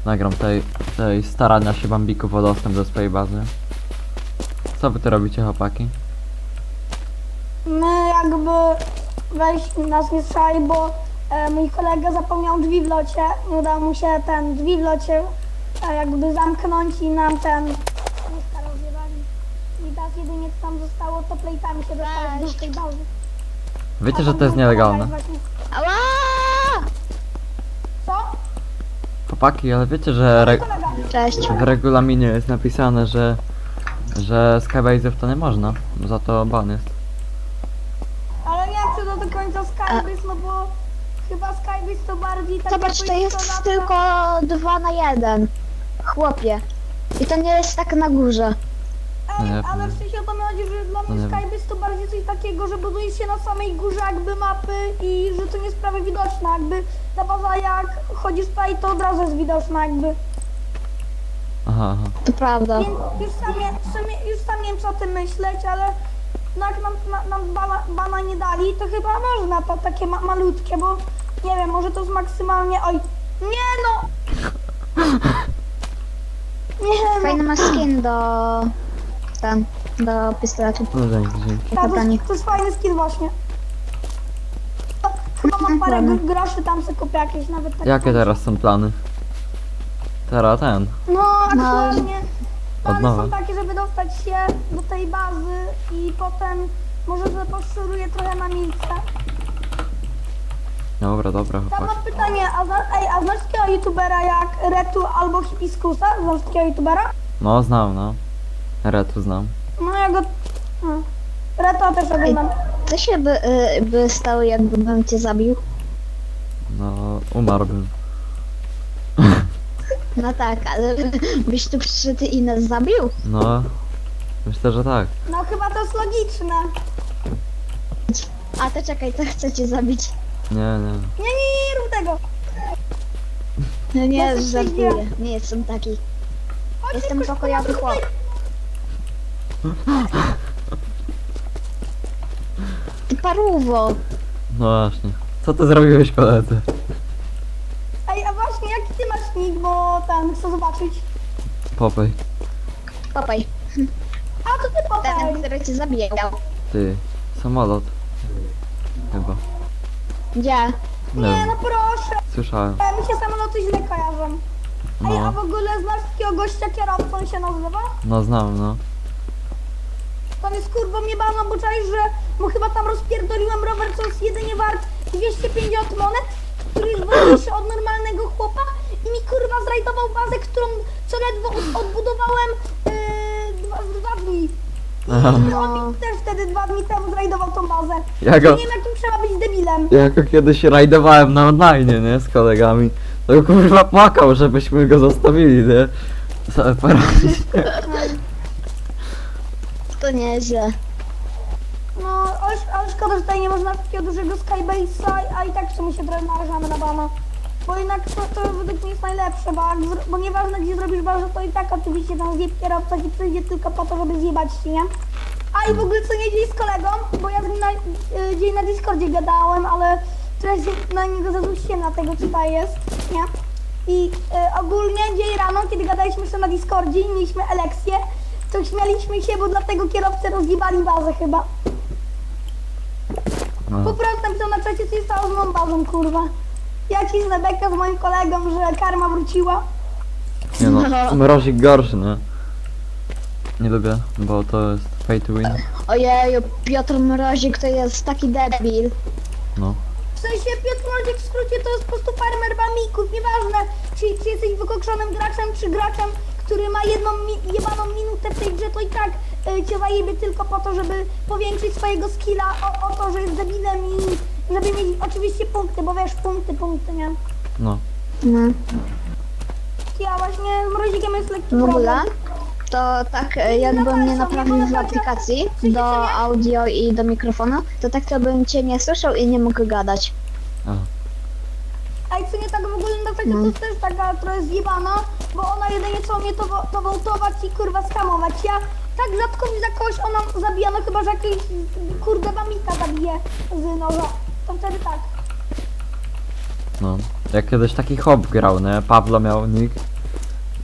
nagram tej starania się Bambików o dostęp do swojej bazy. Co wy tu robicie, chłopaki? My jakby wejść nas nie strzeli, bo mój kolega zapomniał drzwi w locie. Nie udało mu się ten drzwi w locie jakby zamknąć i nam ten mieszka rozjebali. I teraz jedynie co tam zostało, to plejtami się dostać do tej bazy. Wiecie, że to jest nielegalne. Ała! Co? Chłopaki, ale wiecie, że Kolega. Cześć. w regulaminie jest napisane, że Skybase'ów to nie można. Za to ban jest. Ale nie wiem, czy to do końca Skybase, no bo chyba Skybase to bardziej tak Zobacz, to jest tylko 2 na 1. Chłopie. I to nie jest tak na górze. No nie, Ale w sensie o to mi chodzi, że dla no mnie nie wiem. Skybase to bardziej coś takiego, że buduje się na samej górze jakby mapy i że to nie jest prawie widoczne, jakby ta baza jak chodzisz tutaj, to od razu jest widoczna jakby. Aha, aha. To prawda. Więc już sam nie wiem co o tym myśleć, ale no jak nam bana nie dali, to chyba można to takie malutkie, bo nie wiem, może to jest maksymalnie, oj, nie no! Nie no! Fajny ma skin do pistoletu. No dzięki, dzięki. Tak, Pytanie. to jest fajny skin właśnie. Chyba mam parę groszy, tam sobie kupię jakieś nawet takie. Jakie teraz są plany? Teraz ten. No aktualnie plany nowa. są takie, żeby dostać się do tej bazy i potem może sobie poszeruję trochę na miejsce. Dobra, dobra, Tam chłopaki. mam pytanie, a znasz takiego youtubera jak Retu albo Hibiskusa? Znasz takiego youtubera? No, znam, no. Retu znam. No ja go... No. Retu też oglądam. Co się by stało, jakbym cię zabił? No, umarłbym. No tak, ale byś tu przyszedł i nas zabił? No, myślę, że tak. No chyba to jest logiczne. A to czekaj, to chcę cię zabić. Nie, nie. Nie rób tego. No Ja nie, sobie żartuję. przyjdę. Nie jestem taki. Chodź, Jestem szybko, pokojowy szybko, chłop. Ty parówo. No właśnie. Co ty zrobiłeś, koledzy? Ej, a właśnie, jaki ty masz nick, bo tam chcę zobaczyć. Popej. Popaj. A, to ty Ten, popaj. który cię zabijał. Ty. Samolot. Chyba. Gdzie? Nie Nie, wiem. no proszę. Słyszałem. Mi się samoloty źle kojarzą. Ej, a w No. ogóle znasz takiego gościa kierowcą, on się nazywa? No znam, no. Tam jest kurwa mnie bano, bo czaisz, że mu chyba tam rozpierdoliłem rower, co jest jedynie wart 250 monet, który jest wolniejszy od normalnego chłopa i mi kurwa zrajdował bazę, którą co ledwo odbudowałem dwa dni. Aha. I on mi też wtedy 2 dni temu zrajdował tą bazę. Ja Nie go, wiem jakim trzeba być debilem. ja go kiedyś rajdowałem na online, nie? Z kolegami. To kurwa płakał, żebyśmy go zostawili, nie? Sobie poradzić. To nieźle. No, ale szkoda, że tutaj nie można takiego dużego Skybase'a, a i tak w sumie się trochę narażamy na bana. Bo jednak to według mnie jest najlepsze, bo nieważne gdzie zrobisz bazę, to i tak oczywiście tam zjeb kierowca ci przyjdzie tylko po to, żeby zjebać ci, nie? A i w ogóle co nie dzień z kolegą, bo ja z nim dzień na Discordzie gadałem, ale trochę się na niego zarzuciłem na tego, co tutaj jest, nie? I ogólnie dzień rano, kiedy gadaliśmy jeszcze na Discordzie i mieliśmy elekcję, to śmialiśmy się, bo dlatego kierowcy rozjebali bazę chyba. Po No. prostu napisał na czacie, co się stało z moją bazą, kurwa. Ja cisnę bekę z moim kolegą, że karma wróciła. Nie no, mrozik gorszy, nie? Nie lubię, bo to jest pay to win. Ojeju, Piotr Mrozik to jest taki debil. No. W sensie Piotr Mrozik w skrócie to jest po prostu farmer bamików. Nieważne, czy jesteś wykokszonym graczem, czy graczem, który ma jedną jebaną minutę w tej grze, to i tak cię zajebie tylko po to, żeby powiększyć swojego skilla o to, że jest debilem i żeby mieć oczywiście punkty, bo wiesz, punkty, nie? No. No. Ja właśnie z Mrozikiem jest lekki W ogóle problem. to tak jakbym mnie naprawił w aplikacji do audio i do mikrofonu, to tak to bym cię nie słyszał i nie mógł gadać. Aha. A i co nie tak w ogóle na czacie, to jest też taka trochę zjebana, bo ona jedynie co mnie to wołtować i kurwa skamować. Ja tak rzadko za kogoś ona zabija, no chyba, że jakiś kurde bamika zabije z noża. To wtedy tak. No. Jak kiedyś taki hop grał, nie? Pawlo miał nick.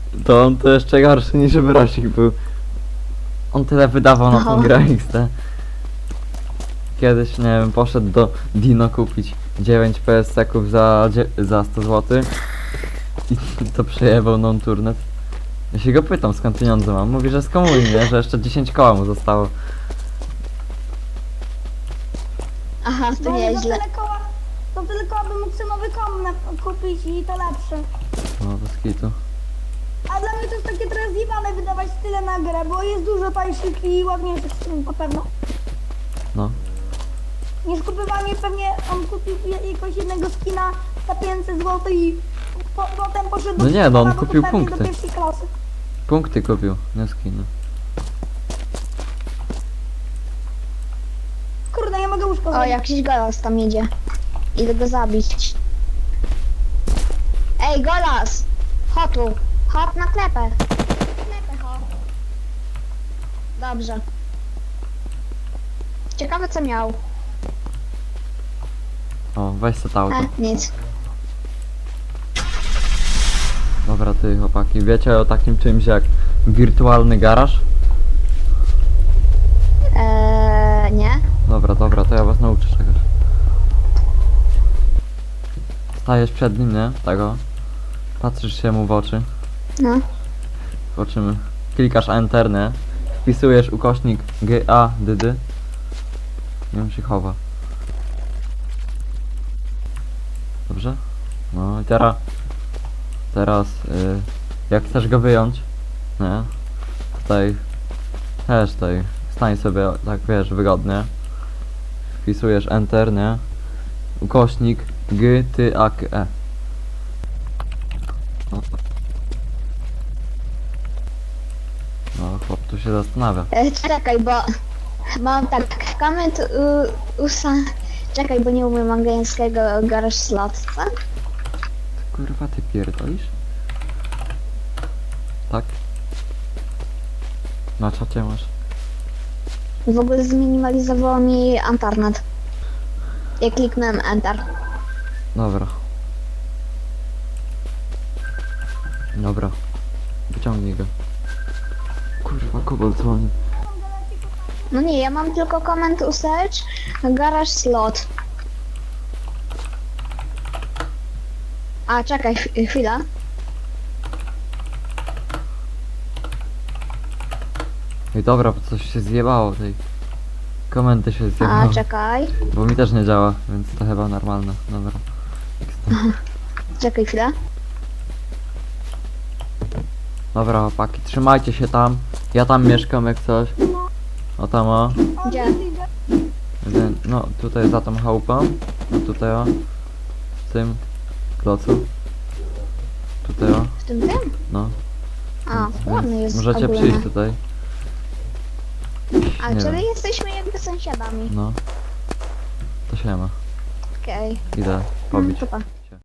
To on to jeszcze gorszy niż Brosik był. On tyle wydawał na tą No. grę XD. Kiedyś, nie wiem, poszedł do Dino kupić 9 PSC-ków za 100 zł. I to przejebał non-turnet. Ja się go pytam, skąd pieniądze mam. Mówi, że z komunii, nie? Że jeszcze 10 koła mu zostało. Aha, to No i nieźle. to tyle koła bym mógł sobie nowy komp kupić i to lepszy. No, bez kitu. A dla mnie to jest takie trochę zjebane wydawać tyle na grę, bo jest dużo tańszych i ładniejszych skin na pewno. No. Niż kupowanie pewnie on kupił jakiegoś jednego skina za 500 zł i potem poszedł do No nie, no on sklepu, kupił pewnie punkty. do pierwszej klasy. Punkty kupił, nie skiny. Kurde, ja mogę łóżko O, zrobić. jakiś golas tam idzie. Idę go zabić. Ej, golas! Chodź tu. Chodź na klepę. Klepę, chodź. Dobrze. Ciekawe co miał. O, weź se to auto. Nic. Dobra, ty chłopaki, wiecie o takim czymś jak wirtualny garaż? Nie. Dobra, to ja was nauczę czegoś. Stajesz przed nim, nie? Tego. Patrzysz się mu w oczy. No. Zobaczymy. Klikasz Enter, nie? Wpisujesz ukośnik GADD. I on się chowa. Dobrze? No i teraz jak chcesz go wyjąć, nie? Tutaj stań sobie tak, wiesz, wygodnie. Wpisujesz Enter, nie? Ukośnik GTAKE. No, chłop tu się zastanawia. Czekaj, bo mam tak comment Czekaj, bo nie umiem angielskiego garage slot, co? Kurwa, ty pierdolisz? Tak? Na czacie masz. W ogóle zminimalizowało mi internet. Ja kliknąłem enter. Dobra. Wyciągnij go. Kurwa, kobold dzwoni. No nie, ja mam tylko comment search garage slot. A, czekaj, chwila. I dobra, bo coś się zjebało tej. Komenty się A, zjebały. czekaj. Bo mi też nie działa, więc to chyba normalne. Dobra. Czekaj chwilę. Dobra, chłopaki, trzymajcie się tam. Ja tam mieszkam jak coś. O tam o. O, Gdzie? widzę. No tutaj za tą chałupą. No tutaj o. W tym klocu. Tutaj o. W tym? No. A, ładny jest Możecie ogólnie. przyjść tutaj. A, Nie czyli wiem. jesteśmy jakby sąsiadami. No. To się ma. Okej. Idę pobić. Super.